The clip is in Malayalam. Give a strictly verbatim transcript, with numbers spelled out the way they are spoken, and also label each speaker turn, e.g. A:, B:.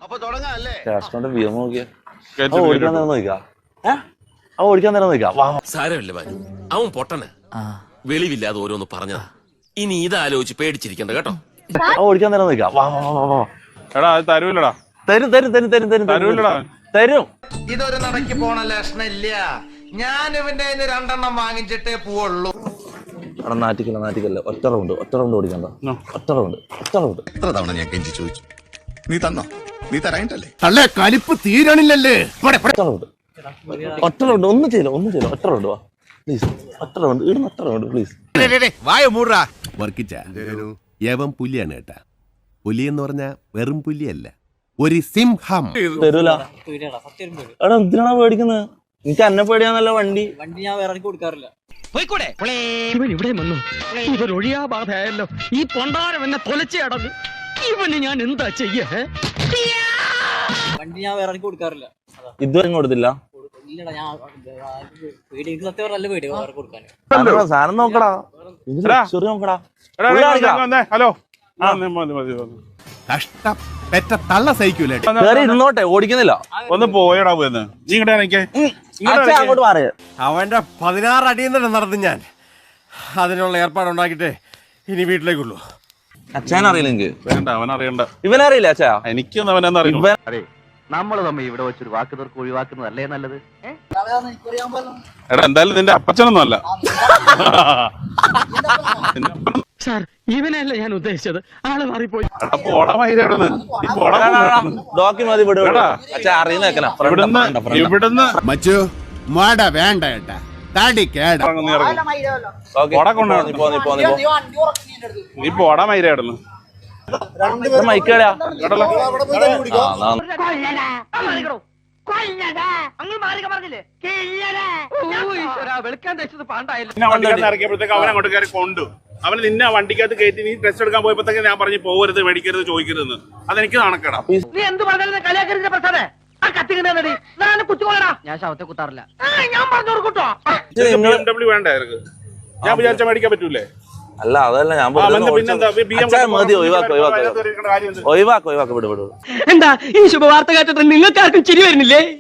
A: കാസ്ട്രോന്റെ വ്യൂ നോക്കിയാ ഓടിക്കാൻ നേരം നോക്കാം ഏഹ് അവൻ ഓടിക്കാൻ നേരം നോക്കാം
B: സാരമില്ല ബാലു, അവൻ പൊട്ടന് വെളിവില്ലാതെ ഓരോന്ന് പറഞ്ഞതാ. ഇനി ഇതാലോചിച്ച് പേടിച്ചിരിക്കണ്ട കേട്ടോ.
A: അവൻ ഓടിക്കാൻ നേരം നോക്കാം വാ വാ വാ വാ.
C: എടാ അത് തരൂല്ലടാ.
A: തരും തരും തരും തരും തരും
C: തരൂല്ലടാ.
A: തരും.
D: ഇതൊരു നടക്ക് പോണ ലക്ഷണില്ല. ഞാൻ ഇവന്റെ രണ്ടെണ്ണം വാങ്ങിച്ചിട്ടേ പോവുള്ളൂ.
A: എടാ നാറ്റിക്കല്ല നാറ്റിക്കല്ല ഒറ്റ റൗണ്ട് ഒറ്റ റൗണ്ട് ഓടിക്കണ്ട ഒറ്റ റൗണ്ട് ഒറ്റ റൗണ്ട്.
E: എത്ര തവണ ഞാൻ കെഞ്ചി ചോദിച്ചു, നീ തന്നോ? നീ തരായിട്ടല്ലേ?
F: തള്ളേ കലിപ്പ് തീരണില്ലല്ലേ?
A: ഒറ്റ റൗണ്ട് ഒറ്റ റൗണ്ട് ഒന്നും ചെയ്യില്ല ഒന്നും ചെയ്യില്ല ഒറ്റ റൗണ്ട് വാ പ്ലീസ്. ഒറ്റ റൗണ്ട് ഇടുന്ന ഒറ്റ റൗണ്ട് പ്ലീസ്.
F: വായ മൂടാ വർക്കിച്ച യവൻ പുലിയാണ് കേട്ടാ. പുലി എന്ന് പറഞ്ഞാ വെറും പുലിയല്ല, ഒരു സിംഹം.
A: തരൂല. എടാ എന്തിനാണോ പേടിക്കുന്നത്? എനിക്ക് എന്നെ പേടിയാന്നല്ല വണ്ടി
G: വണ്ടി ഞാൻ വേറെ കൊടുക്കാറില്ല.
H: ഇവൻ ഇവിടെ വന്നു, ഇവരൊഴിയാ ബാധയല്ലോ. ഈ പൊണ്ടാരം എന്നെ തൊലച്ചേ അടങ്ങും. ഇവന് ഞാൻ എന്താ ചെയ്യേ?
G: വണ്ടി ഞാൻ വേറെ കൊടുക്കാറില്ല.
A: ഇതുവരെ കൊടുത്തില്ല.
G: ഇല്ലടാ, ഞാൻ പേടി, എനിക്ക് സത്യം പറഞ്ഞ നല്ല പേടി വേറെ കൊടുക്കാൻ.
A: സാധനം നോക്കടാ ചെറിയ നോക്കടാ.
C: ഹലോ
F: കഷ്ടം പെറ്റ തള്ള സഹിക്കൂലേ.
A: ഇരുന്നോട്ടെ ഓടിക്കുന്നില്ല.
C: ഒന്ന് പോയടാ പോയെന്ന്. നീ ഇങ്ങോട്ട് എനിക്ക്
A: അങ്ങോട്ട് മാറിയ
F: അവന്റെ പതിനാറ് അടിയിൽ തന്നെ നടന്നു ഞാൻ. അതിനുള്ള ഏർപ്പാടുണ്ടാക്കിട്ടേ ഇനി വീട്ടിലേക്കുള്ളൂ.
A: അച്ഛൻ അറിയില്ല എനിക്ക്.
C: വേണ്ട, അവൻ അറിയണ്ട.
A: ഇവനറിയില്ല അച്ഛാ.
C: എനിക്കൊന്നും അവനെന്ന് അറിയില്ല.
I: നമ്മൾ തമ്മിൽ ഇവിടെ വെച്ചൊരു വാക്ക് തീർക്ക് ഒഴിവാക്കുന്നതല്ലേ നല്ലത്.
C: എടാ എന്തായാലും നിന്റെ അപ്പച്ചനൊന്നും അല്ല.
H: സാർ, ഇവനല്ല ഞാൻ ഉദ്ദേശിച്ചത്. ആള് മാറിപ്പോയി.
A: ഡോക്യുമെന്റ് വിട അച്ഛാ അറിയുന്ന
C: ഇവിടുന്ന് ഇവിടുന്ന്
F: മച്ചു മാട വേണ്ട ഏട്ടാ, തടി കേട.
C: നീ പോടാ മൈരായിരുന്നു.
A: മൈക്കേടാ
C: ഇറക്കിയപ്പോഴത്തേക്ക് അവൻ അങ്ങോട്ട് കയറി കൊണ്ടു. അവന് നിന്നെ വണ്ടിക്കകത്ത് കയറ്റി നീ ടെസ്റ്റ് എടുക്കാൻ പോയപ്പോഴത്തേക്ക് ഞാൻ പറഞ്ഞു പോകരുത്, മേടിക്കരുത്, ചോദിക്കരുതെന്ന്. അതെനിക്ക് നാണക്കേടാ.
H: നീ എന്ത് പറഞ്ഞാലും കളിയാക്കരുത് പ്രസാദേ.
G: ഞാൻ ശവത്തെ കുത്താറില്ല.
H: ഞാൻ പറഞ്ഞു കൊടുക്കട്ടോ.
C: ബി എം ഡബ്ല്യൂ വേണ്ട എനിക്ക്. ഞാൻ വിചാരിച്ച മേടിക്കാൻ പറ്റൂലേ?
A: അല്ല അതല്ല ഞാൻ മതി ഒഴിവാക്ക ഒഴിവാക്ക ഒഴിവാക്ക ഒഴിവാക്ക വിട് വിട്.
H: എന്താ ഈ ശുഭവാർത്ത കേട്ടിട്ട് നിങ്ങൾക്കാർക്കും ചിരി വരുന്നില്ലേ?